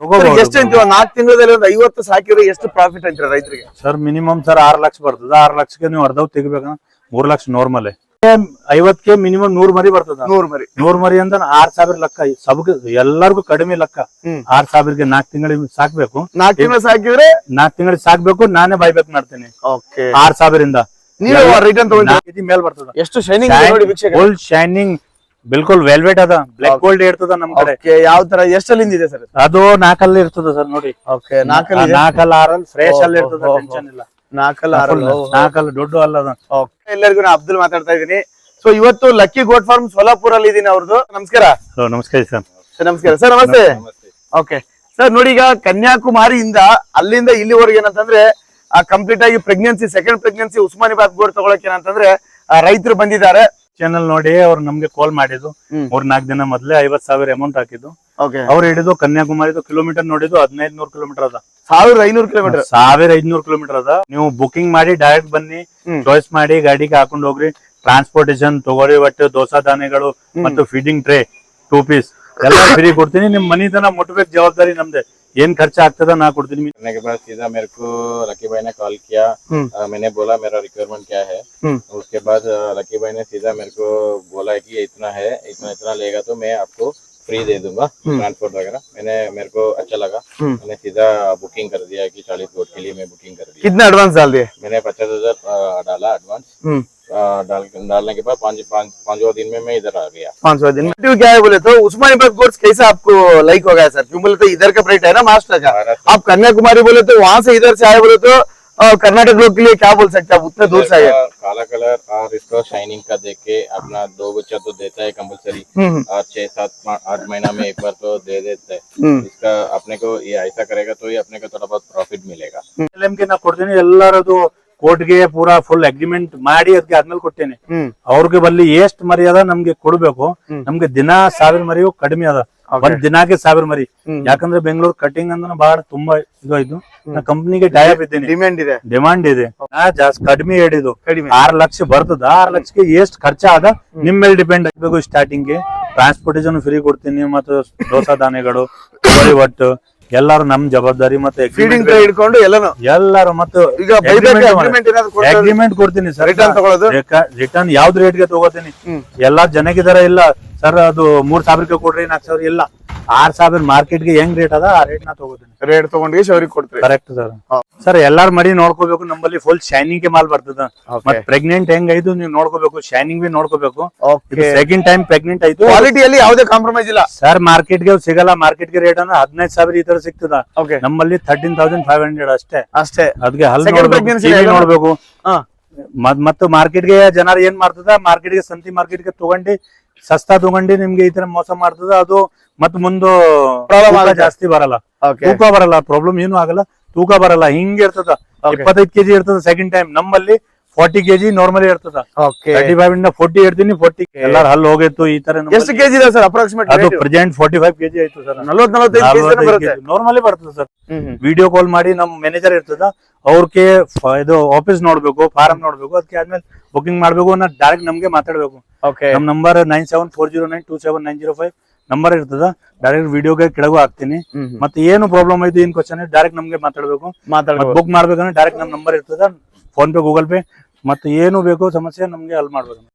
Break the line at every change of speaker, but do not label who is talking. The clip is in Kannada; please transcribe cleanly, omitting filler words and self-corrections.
ಎಷ್ಟು ಅಂತೀವ 4 ತಿಂಗಳಲ್ಲಿ ಒಂದು 50 ಸಾಕಿದ್ರೆ ಎಷ್ಟು ಪ್ರಾಫಿಟ್ ಅಂತೀರ ರೈತರಿಗೆ?
ಸರ್ ಮಿನಿಮಮ್ ಸರ್ 6 ಲಕ್ಷ ಬರ್ತದ. 6 ಲಕ್ಷಕ್ಕೆ ನೀವು ಅರ್ಧವ್ ತೆಗಿಬೇಕಂದ್ರೆ 3 ಲಕ್ಷ ನಾರ್ಮಲ್. 50ಕ್ಕೆ ಮಿನಿಮಮ್ 100 ಮರಿ ಬರ್ತದ. 100 ಮರಿ ಅಂದ್ರೆ 6000 ಲೆಕ್ಕ. ಸಬ್ ಎಲ್ಲರಿಗೂ ಕಡಿಮೆ ಲೆಕ್ಕ. 6000ಗೆ 4 ತಿಂಗಳಿಗೆ ಸಾಕ್ಬೇಕು.
4 ತಿಂಗಳು ಸಾಕಿದ್ರೆ
4 ತಿಂಗಳಿಗೆ ಸಾಕ್ಬೇಕು. ನಾನೇ ಬೈಬೇಕ್ ಮಾಡ್ತೀನಿ. 6000 ಇಂದ
ನೀವು ರಿಟರ್ನ್ ತಗೊಂಡು
ಮೇಲ್ ಬರ್ತದ.
ಎಷ್ಟು ಶೈನಿಂಗ್ ನೋಡಿ ವೀಕ್ಷಕ.
ಫುಲ್ ಶೈನಿಂಗ್ ಬಿಲ್ಕುಲ್ ವೆಲ್ವೆಟ್ ಅದ. ಬ್ಲಾಕ್ ಗೋಲ್ಡ್ ಇರ್ತದ ನಮ್ ಕಡೆ.
ಯಾವ ತರ ಎಷ್ಟಲ್ಲಿಂದ ಇದೆ ಸರ್?
ಅದು 4 ಅಲ್ಲಿ ಇರ್ತದ ಸರ್ ನೋಡಿ. 4 6 ಫ್ರೆಶ್ ಅಲ್ಲಿ ಇರ್ತದ. ಟೆನ್ಷನ್ ಇಲ್ಲ. 4 ದೊಡ್ಡ ಅಲ್ಲ.
ಎಲ್ಲರಿಗೂ ನಾ ಅಬ್ದುಲ್ ಮಾತಾಡ್ತಾ ಇದೀನಿ. ಸೊ ಇವತ್ತು ಲಕ್ಕಿ ಗೋಟ್ ಫಾರ್ಮ್ ಸೋಲಾಪುರ ಅಲ್ಲಿ ಇದೀನಿ. ಅವ್ರದ್ದು ನಮಸ್ಕಾರ.
ನಮಸ್ಕಾರ ಸರ್.
ನಮಸ್ಕಾರ ಸರ್. ನಮಸ್ತೆ. ಓಕೆ ಸರ್, ನೋಡಿ ಈಗ ಕನ್ಯಾಕುಮಾರಿಯಿಂದ ಅಲ್ಲಿಂದ ಇಲ್ಲಿವರೆಗೆ ಏನಂತಂದ್ರೆ ಕಂಪ್ಲೀಟ್ ಆಗಿ pregnancy, second pregnancy Osmanabad goat ತಗೊಳಕ್ ಏನಂತಂದ್ರೆ ರೈತರು ಬಂದಿದ್ದಾರೆ.
ಚಾನಲ್ ನೋಡಿ ಅವ್ರು ನಮ್ಗೆ ಕಾಲ್ ಮಾಡಿದ್ದು. 3-4 ದಿನ ಮೊದ್ಲೇ 50,000 ಅಮೌಂಟ್ ಹಾಕಿದ್ದು. ಅವ್ರು ಹಿಡಿದು ಕನ್ಯಾಕುಮಾರಿದು ಕಿಲೋಮೀಟರ್ ನೋಡಿದ್ದು 1500 ಕಿಲೋಮೀಟರ್ ಅದ. 1500 ಕಿಲೋಮೀಟರ್ 1500 ಕಿಲೋಮೀಟರ್ ಅದ. ನೀವು ಬುಕಿಂಗ್ ಮಾಡಿ ಡೈರೆಕ್ಟ್ ಬನ್ನಿ, ಚಾಯ್ಸ್ ಮಾಡಿ ಗಾಡಿಗೆ ಹಾಕೊಂಡು ಹೋಗ್ರಿ. ಟ್ರಾನ್ಸ್ಪೋರ್ಟೇಶನ್ ತಗೋರಿ, ಒಟ್ಟು ದೋಸಾ ದಾನೆಗಳು ಮತ್ತು ಫೀಡಿಂಗ್ ಟ್ರೇ 2 ಪೀಸ್ ಎಲ್ಲ ಫ್ರೀ ಕೊಡ್ತೀನಿ. ನಿಮ್ ಮನಿ ತನ ಮುಟ್ಬೇಕು, ಜವಾಬ್ದಾರಿ ನಮ್ದೆ. ಏನ್ ಖರ್ಚ ಆಗ್ತದ ನಾ ಕೊಡ್ತೀನಿ.
करने के बाद सीधा मेरे को लकी भाई ने कॉल किया. मैंने बोला मेरा रिक्वायरमेंट क्या है. उसके बाद लकी भाई ने सीधा मेरे को बोला कि इतना है, इतना लेगा तो मैं आपको फ्री दे दूंगा ट्रांसपोर्ट वगैरह. मेरे को अच्छा लगा. मैंने सीधा बुकिंग कर दिया कि 40 गोट के लिए मैं बुकिंग कर दी.
कितना एडवांस डाल दिए?
मैंने 50,000 डाला एडवांस. डालने के बाद 5वां दिन में मैं इधर आ गया.
5वां दिन में क्या है बोले तो उस्मानिबाद गोट्स कैसा आपको लाइक हो गया सर? क्यों बोले तो इधर का रेट है ना महाराष्ट्र का. आप कन्याकुमारी बोले तो वहाँ से इधर से आए बोले तो कर्नाटक लोग के लिए क्या बोल सकते हैं? आप उतने दूर से आए.
काला कलर और इसको शाइनिंग का देख के अपना 2 बच्चा तो देता है कंपलसरी. और 6-7-8 महीना में एक बार तो दे देता है. इसका अपने को ये ऐसा करेगा तो ये अपने को थोड़ा बहुत प्रॉफिट मिलेगा.
ನಾ ಕೊಡ್ತೀನಿ ಎಲ್ಲರದು ಕೋರ್ಟ್ಗೆ ಪೂರಾ ಫುಲ್ ಅಗ್ರಿಮೆಂಟ್ ಮಾಡಿ ಅದಕ್ಕೆ ಆದ್ಮೇಲೆ ಕೊಟ್ಟೇನೆ. ಅವ್ರಿಗೆ ಬಲ್ಲಿ ಎಷ್ಟ್ ಮರಿ ಅದ ನಮ್ಗೆ ಕೊಡ್ಬೇಕು. ನಮ್ಗೆ ದಿನ 1000 ಮರಿಯು ಕಡಿಮೆ ಅದ. ಒಂದ್ ದಿನಾಕ್ಕೆ 1000 ಮರಿ. ಯಾಕಂದ್ರೆ ಬೆಂಗಳೂರು ಕಟಿಂಗ್ ಅಂದ್ರೆ ಬಹಳ ತುಂಬಾ ಇದು. ನಾ ಕಂಪ್ನಿಗೆ ಟೈಪ್ ಇದ್ದೀನಿ. ಡಿಮಾಂಡ್ ಇದೆ. ನಾ ಜಾಸ್ತಿ ಕಡಿಮೆ ಹೇಳಿದ್ದು 6 ಲಕ್ಷ ಬರ್ತದ. 6 ಲಕ್ಷಕ್ಕೆ ಎಷ್ಟ್ ಖರ್ಚ ಅದ ನಿಮ್ ಮೇಲೆ ಡಿಪೆಂಡ್ ಆಗ್ಬೇಕು. ಸ್ಟಾರ್ಟಿಂಗ್ ಗೆ ಟ್ರಾನ್ಸ್ಪೋರ್ಟೇಶನ್ ಫ್ರೀ ಕೊಡ್ತೀನಿ. ಮತ್ತು ದೋಸಾ ದಾನೆಗಳು ಒಟ್ಟು ಎಲ್ಲಾರು ನಮ್ ಜವಾಬ್ದಾರಿ. ಮತ್ತೆ
ಹಿಡ್ಕೊಂಡು
ಎಲ್ಲಾರು ಮತ್ತು ಅಗ್ರಿಮೆಂಟ್ ಕೊಡ್ತೀನಿ ಸರ್. ರಿಟರ್ನ್ ಯಾವ್ದು ರೇಟ್ಗೆ ತಗೋತೀನಿ. ಎಲ್ಲಾ ಜನಕ್ಕಿದಾರ ಇಲ್ಲ ಸರ್ ಅದು 3000 ಕೊಡ್ರಿ 4000 ಇಲ್ಲ. 6000 ಮಾರ್ಕೆಟ್ ಗೆ ಹೆಂಗ್ ರೇಟ್ ಅದ ಆ ರೇಟ್ ನಾ ತಗೋತೀನಿ.
ರೇಟ್ ತಗೊಂಡು ಅವ್ರಿಗೆ ಕೊಡ್ತೀವಿ.
Correct sir. ಸರ್ ಎಲ್ಲಾರು ಮರಿ ನೋಡ್ಕೋಬೇಕು. ನಮ್ಮಲ್ಲಿ ಫುಲ್ ಶೈನಿಂಗ್ ಗೆ ಮಾಲ್ ಬರ್ತದ. ಮತ್ತೆ ಪ್ರೆಗ್ನೆಂಟ್ ಹೆಂಗ್ ಐದು ನೀವು ನೋಡ್ಕೋಬೇಕು. ಶೈನಿಂಗ್ ಬಿ ನೋಡ್ಕೋಬೇಕು. ಸೆಕೆಂಡ್ ಟೈಮ್ ಪ್ರೆಗ್ನೆಂಟ್ ಆಯ್ತು.
ಕ್ವಾಲಿಟಿಯಲ್ಲಿ ಯಾವುದೇ ಕಾಂಪ್ರಮೈಸ್ ಇಲ್ಲ
ಸರ್. ಮಾರ್ಕೆಟ್ ಗೆ ಸಿಗಲ್ಲ. ಮಾರ್ಕೆಟ್ ಗೆ ರೇಟ್ ಅಂದ್ರೆ 15,000 ಈ ತರ ಸಿಗ್ತದ. ನಮ್ಮಲ್ಲಿ 13,500 ಅಷ್ಟೇ. ಅದಕ್ಕೆ ಹಲ್ ನೋಡ್ಬೇಕು. ಮತ್ತು ಮಾರ್ಕೆಟ್ ಗೆ ಜನರು ಏನ್ ಮಾಡ್ತದ, ಮಾರ್ಕೆಟ್ ಗೆ ಸಂತಿ ಮಾರ್ಕೆಟ್ ಗೆ ತಗೊಂಡು ಸಸ್ತಾ ತಗೊಂಡು ನಿಮ್ಗೆ ಈ ತರ ಮೋಸ ಮಾಡ್ತದ. ಅದು ಮತ್ ಮುಂದೆ ಜಾಸ್ತಿ ಬರಲ್ಲ, ತೂಕ ಬರಲ್ಲ. ಪ್ರಾಬ್ಲಮ್ ಏನು ಆಗಲ್ಲ, ತೂಕ ಬರಲ್ಲ. ಹಿಂಗ ಇರ್ತದ. 25 kg ಇರ್ತದ ಸೆಕೆಂಡ್ ಟೈಮ್. ನಮ್ಮಲ್ಲಿ 40 kg ನಾರ್ಮಲಿ ಇರ್ತದ. 35 ಇಂದ 40 ಇರ್ತೀನಿ. 40 ಎಲ್ಲಾರು ಹಲ್ ಹೋಗಿತ್ತು. ಈ ತರ
ಎಷ್ಟು ಕೆಜಿ ಇದೆ ಸರ್ ಅಪ್ರಾಕ್ಸಿಮೇಟ್?
ಅದು ಪ್ರೆಸೆಂಟ್ 45 kg ಆಯ್ತು ಸರ್.
40-45
ನಾರ್ಮಲಿ ಬರ್ತದೆ ಸರ್. ವಿಡಿಯೋ ಕಾಲ್ ಮಾಡಿ ನಮ್ ಮ್ಯಾನೇಜರ್ ಇರ್ತದ. ಅವ್ರಿಗೆ ಇದು ಆಫೀಸ್ ನೋಡ್ಬೇಕು, ಫಾರಂ ನೋಡ್ಬೇಕು. ಅದಕ್ಕೆ ಆದ್ಮೇಲೆ ಬುಕಿಂಗ್ ಮಾಡ್ಬೇಕು. ನಾ ಡೈರೆಕ್ಟ್ ನಮ್ಗೆ ಮಾತಾಡ್ಬೇಕು. ನಮ್ ನಂಬರ್ 9740927905 ನಂಬರ್ ಇರ್ತದ. ಡೈರೆಕ್ಟ್ ವಿಡಿಯೋಗೆ ಕೆಳಗೂ ಹಾಕ್ತೀನಿ. ಮತ್ತೆ ಏನು ಪ್ರಾಬ್ಲಮ್ ಆಯ್ತು, ಏನ್ ಕ್ವಶನ್ ಡೈರೆಕ್ಟ್ ನಮ್ಗೆ ಮಾತಾಡ್ಬೇಕು. ಬುಕ್ ಮಾಡ್ಬೇಕಂದ್ರೆ ಡೈರೆಕ್ಟ್ ನಮ್ ನಂಬರ್ ಇರ್ತದ. ಫೋನ್ ಪೇ, ಗೂಗಲ್ ಪೇ ಮತ್ತೆ ಏನು ಬೇಕು ಸಮಸ್ಯೆ ನಮ್ಗೆ ಹಲ್ ಮಾಡ್ಬೇಕು.